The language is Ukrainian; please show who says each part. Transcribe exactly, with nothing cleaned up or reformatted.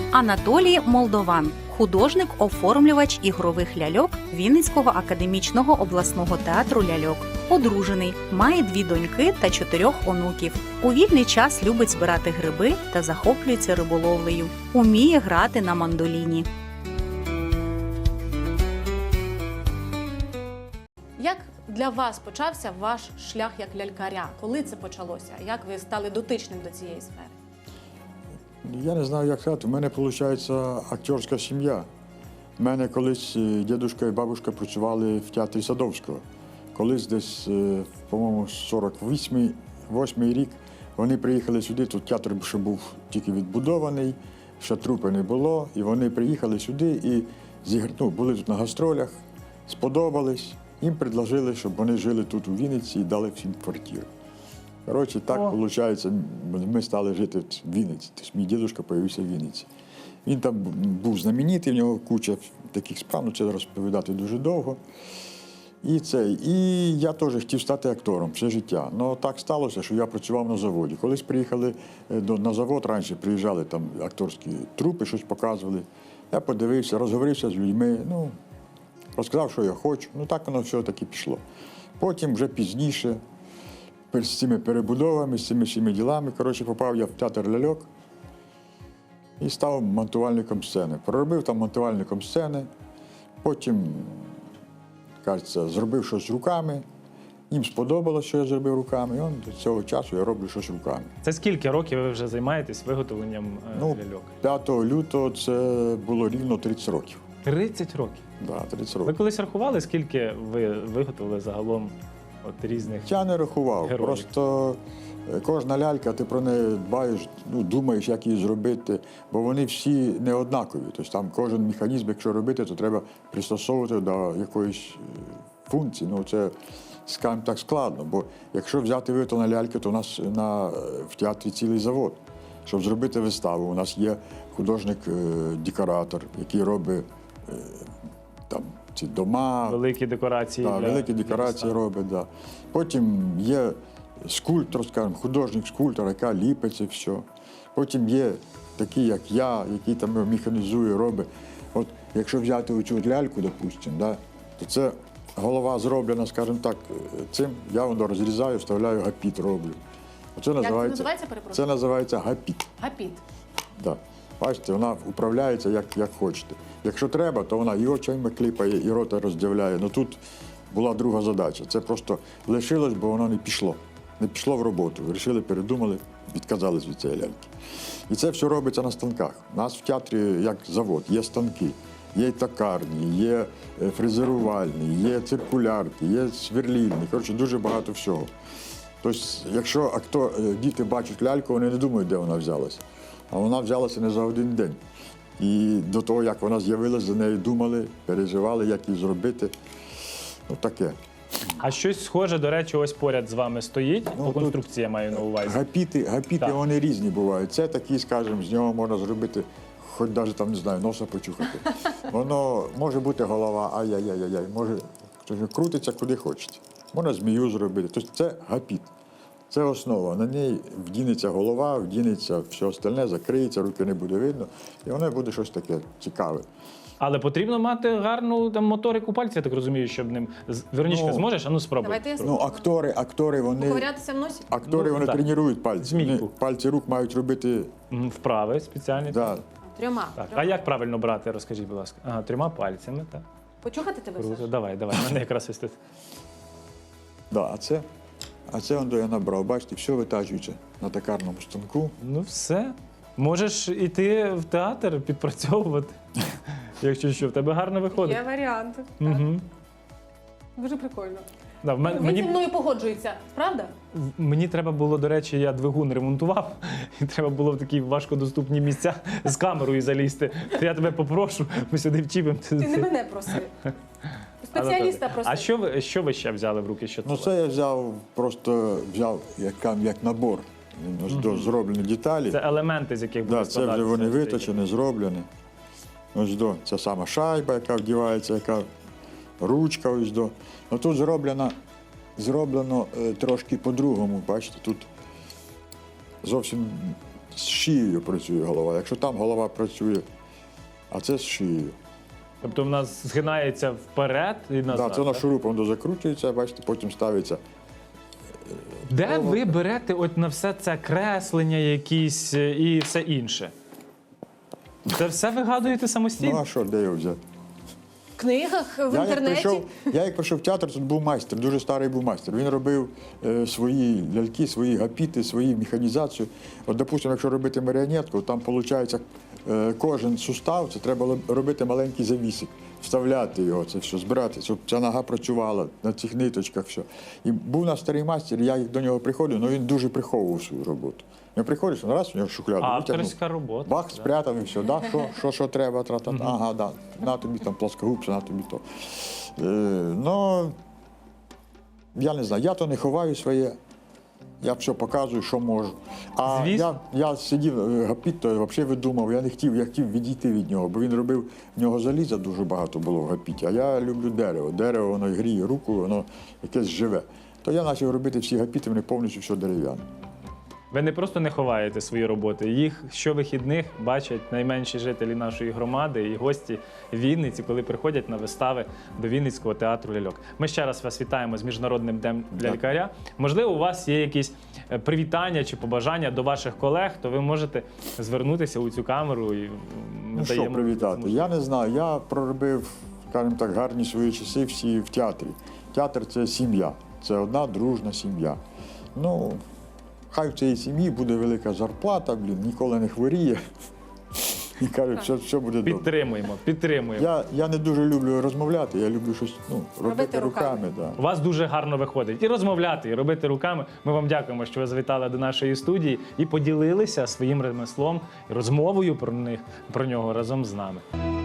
Speaker 1: Анатолій Молдован – художник-оформлювач ігрових ляльок Вінницького академічного обласного театру ляльок. Одружений, має дві доньки та чотирьох онуків. У вільний час любить збирати гриби та захоплюється риболовлею. Уміє грати на мандоліні.
Speaker 2: Як для вас почався ваш шлях як лялькаря? Коли це почалося? Як ви стали дотичним до цієї сфери?
Speaker 3: Я не знаю, як сказати. У мене, виходить, акторська сім'я. У мене колись дідусь і бабуся працювали в театрі Садовського. Колись десь, по-моєму, сорок восьмий рік вони приїхали сюди, тут театр ще був тільки відбудований, ще трупи не було, і вони приїхали сюди і ну, були тут на гастролях, сподобались, їм предложили, щоб вони жили тут у Вінниці і дали всім квартиру. Коротше, так, виходить, ми стали жити в Вінниці. Тобто мій дідусь з'явився в Вінниці. Він там був знаменитий, в нього куча таких справ, ну це розповідати дуже довго. І, це, і я теж хотів стати актором все життя. Ну так сталося, що я працював на заводі. Колись приїхали до, на завод, раніше приїжджали там акторські трупи, щось показували. Я подивився, розговорився з людьми, ну, розказав, що я хочу. Ну так воно все таки пішло. Потім вже пізніше, з цими перебудовами, з цими всіми ділами, коротше, попав я в театр ляльок і став монтувальником сцени. Проробив там монтувальником сцени, потім, кажеться, зробив щось руками, їм сподобалося, що я зробив руками, і он, до цього часу я роблю щось руками.
Speaker 4: Це скільки років ви вже займаєтесь виготовленням е,
Speaker 3: Ну,
Speaker 4: ляльок?
Speaker 3: п'ятого лютого це було рівно тридцять років.
Speaker 4: тридцять років?
Speaker 3: Да, тридцять
Speaker 4: Ви
Speaker 3: років.
Speaker 4: колись рахували, скільки ви виготовили загалом от різних?
Speaker 3: Я не рахував,
Speaker 4: героїв?
Speaker 3: просто кожна лялька, ти про неї дбаєш, ну, думаєш, як її зробити, бо вони всі не однакові. Тобто там кожен механізм, якщо робити, то треба пристосовувати до якоїсь функції. Ну, це, скажімо так, складно, бо якщо взяти виготовлення ляльки, то у нас на, в театрі цілий завод. Щоб зробити виставу, у нас є художник-декоратор, який робить там ці дома.
Speaker 4: Великі декорації.
Speaker 3: Да,
Speaker 4: для...
Speaker 3: великі декорації робить, да. Потім є скульптор, скажімо, художник-скульптор, яка ліпить це все. Потім є такі, як я, який там механізує, робить. От якщо взяти оцю ляльку, допустимо, да, то це голова зроблена, скажімо так, цим, я воно розрізаю, вставляю гапіт, роблю. Оце
Speaker 2: Як
Speaker 3: називається,
Speaker 2: це називається, перепрошую?
Speaker 3: це називається гапіт.
Speaker 2: Гапіт.
Speaker 3: Да. Бачите, вона управляється як, як хочете. Якщо треба, то вона і очима кліпає, і рота роздявляє. Ну тут була друга задача. Це просто лишилось, бо воно не пішло. Не пішло в роботу. Вирішили, передумали, відказались від цієї ляльки. І це все робиться на станках. У нас в театрі, як завод, є станки, є токарні, є фрезерувальні, є циркулярки, є сверлільні. Коротше, дуже багато всього. Тобто, якщо актор, діти бачать ляльку, вони не думають, де вона взялася. А вона взялася не за один день. І до того, як вона з'явилася, за нею думали, переживали, як її зробити. Ну, таке.
Speaker 4: А щось схоже, до речі, ось поряд з вами стоїть,
Speaker 3: Ну,
Speaker 4: по конструкції я маю на увазі.
Speaker 3: Гапіти, гапіти
Speaker 4: Так.
Speaker 3: вони різні бувають. Це такі, скажімо, з нього можна зробити, хоч навіть там, не знаю, носа почухати. Воно може бути голова, ай-яй-яй-яй, може крутиться куди хочете. Можна змію зробити. Тобто це гапіт. Це основа. На ній вдінеться голова, вдінеться все остальне, закриється, руки не буде видно, і воно буде щось таке цікаве.
Speaker 4: Але потрібно мати гарну там, моторику пальця, я так розумію, щоб ним... З- Веронічка,
Speaker 3: Ну,
Speaker 4: зможеш? А ну спробуй.
Speaker 2: Давайте я
Speaker 3: Ну, актори, актори, вони,
Speaker 2: Поковирятися в носі?
Speaker 3: актори,
Speaker 4: Ну,
Speaker 3: вони
Speaker 4: так.
Speaker 3: тренують пальці.
Speaker 4: Змійку.
Speaker 3: Вони пальці рук мають робити,
Speaker 4: М, Вправи спеціальні.
Speaker 3: да.
Speaker 2: Трьома.
Speaker 4: Так.
Speaker 2: Трьома.
Speaker 4: А як правильно брати, розкажіть, будь ласка. Ага, трьома пальцями, так.
Speaker 2: Почухати тебе,
Speaker 4: Круто.
Speaker 2: Саша?
Speaker 4: Давай, давай, мене якраз ось тут.
Speaker 3: Да, а це, а це он, я набрав, бачите, все витачується на токарному станку.
Speaker 4: Ну все. Можеш іти в театр підпрацьовувати, якщо що, в тебе гарно виходить.
Speaker 2: Є варіант. Так.
Speaker 4: Угу.
Speaker 2: Дуже прикольно.
Speaker 4: Да, в мен-
Speaker 2: Він
Speaker 4: мені,
Speaker 2: зі мною погоджується, правда?
Speaker 4: в- мені треба було, до речі, я двигун ремонтував, і треба було в такі важкодоступні місця з камерою залізти. То я тебе попрошу, ми сюди вчіпимо.
Speaker 2: Ти не мене проси. Спеціаліста проси.
Speaker 4: А що ви, що ви ще взяли в руки? Що
Speaker 3: Ну, це я взяв, просто взяв як, як набор. Він ось до зроблені деталі.
Speaker 4: Це елементи, з яких буде
Speaker 3: Да, це вже
Speaker 4: складатися
Speaker 3: вони
Speaker 4: цей-
Speaker 3: виточені, зроблені. Ось до, це сама шайба, яка вдівається, яка ручка ось до. Ну тут зроблено, зроблено е, трошки по-другому, бачите, тут зовсім з шиєю працює голова. Якщо там голова працює, а це з шиєю.
Speaker 4: Тобто в нас згинається вперед і назад.
Speaker 3: Да, це воно
Speaker 4: так?
Speaker 3: шурупом дозакручується, бачите, потім ставиться.
Speaker 4: Де ви берете от на все це креслення якісь е, і все інше? Це все вигадуєте
Speaker 3: Ну
Speaker 4: самостійно?
Speaker 3: а що, де його взяти?
Speaker 2: В книгах, в
Speaker 3: Я як,
Speaker 2: інтернеті.
Speaker 3: прийшов, я як прийшов в театр, тут був майстер, дуже старий був майстер. Він робив е, свої ляльки, свої гапіти, свої механізацію. От, допустимо, якщо робити маріонетку, там виходить е, кожен сустав, це треба лоб- робити маленький завісик, вставляти його, це все, збирати, щоб ця нога працювала на цих ниточках. Все. І був у нас старий майстер, я до нього приходив, але він дуже приховував свою роботу. Я приходиш, ну, раз у нього шухляду, витягнув.
Speaker 4: Авторська робота.
Speaker 3: Бах,
Speaker 4: да.
Speaker 3: спрятав і все, да? що, що, що треба, тра-та, ага, да. На тобі там плоскогубця, на тобі то. Е, ну, я не знаю, я то не ховаю своє, я все показую, що можу. А
Speaker 4: Звісно.
Speaker 3: я, я сидів, е, гапіт, то взагалі видумав, я не хотів, я хотів відійти від нього, бо він робив, в нього заліза дуже багато було в гапіті, а я люблю дерево. Дерево, воно гріє руку, воно якесь живе. То я почав робити всі гапіти, вони повністю все дерев'яне.
Speaker 4: Ви не просто не ховаєте свої роботи, їх щовихідних бачать найменші жителі нашої громади і гості Вінниці, коли приходять на вистави до Вінницького театру ляльок. Ми ще раз вас вітаємо з Міжнародним днем лялькаря. Можливо, у вас є якісь е, привітання чи побажання до ваших колег, то ви можете звернутися у цю камеру і м,
Speaker 3: Ну що
Speaker 4: даємо
Speaker 3: привітати?
Speaker 4: можливість.
Speaker 3: Я не знаю. Я проробив, скажімо так, гарні свої часи всі в театрі. Театр це сім'я, це одна дружна сім'я. Ну, хай в цій сім'ї буде велика зарплата, блін, ніколи не хворіє. І кажуть, що все буде добре.
Speaker 4: Підтримуємо, підтримуємо.
Speaker 3: Я, я не дуже люблю розмовляти, я люблю щось ну, робити,
Speaker 2: Робити руками.
Speaker 3: руками. Да.
Speaker 4: У вас дуже гарно виходить і розмовляти, і робити руками. Ми вам дякуємо, що ви завітали до нашої студії і поділилися своїм ремеслом і розмовою про них про нього разом з нами.